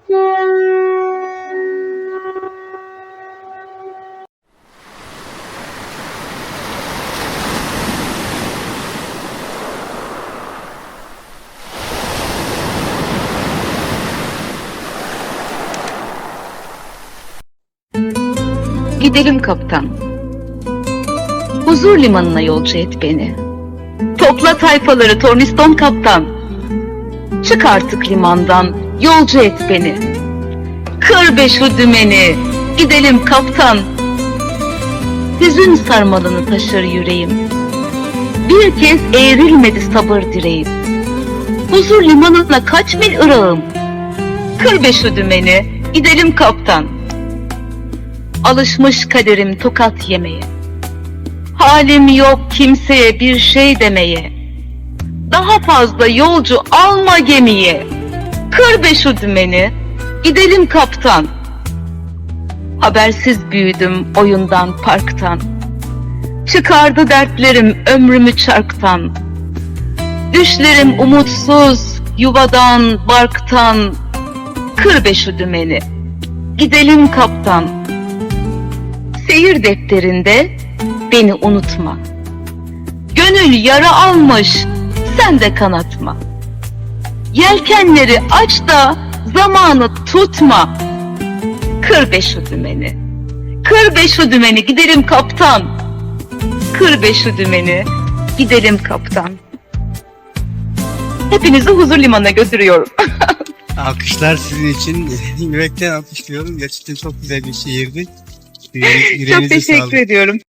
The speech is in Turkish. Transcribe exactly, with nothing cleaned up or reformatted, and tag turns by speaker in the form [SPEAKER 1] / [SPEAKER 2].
[SPEAKER 1] Gidelim kaptan. Huzur limanına yolcu et beni. Topla tayfaları torniston kaptan. Çık artık limandan, yolcu et beni. Kır be şu dümeni, gidelim kaptan. Hüzün sarmalını taşır yüreğim. Bir kez eğrilmedi sabır direğim. Huzur limanına kaç mil ırağım. Kır be şu dümeni, gidelim kaptan. Alışmış kaderim tokat yemeye. Halim yok kimseye bir şey demeye. Daha fazla yolcu alma gemiye. Kır be şu dümeni, gidelim kaptan. Habersiz büyüdüm oyundan parktan. Çıkardı dertlerim ömrümü çarktan. Düşlerim umutsuz yuvadan barktan. Kır be şu dümeni, gidelim kaptan. Seyir defterinde beni unutma. Gönül yara almış, sen de kanatma. Yelkenleri aç da zamanı tutma. Kır be şu dümeni, kır be şu dümeni, gidelim kaptan. Kır be şu dümeni, gidelim kaptan. Hepinizi huzur limanına götürüyorum.
[SPEAKER 2] Alkışlar sizin için. Yürekten alkışlıyorum. Gerçekten çok güzel bir şiirdi.
[SPEAKER 1] Çok teşekkür ediyorum.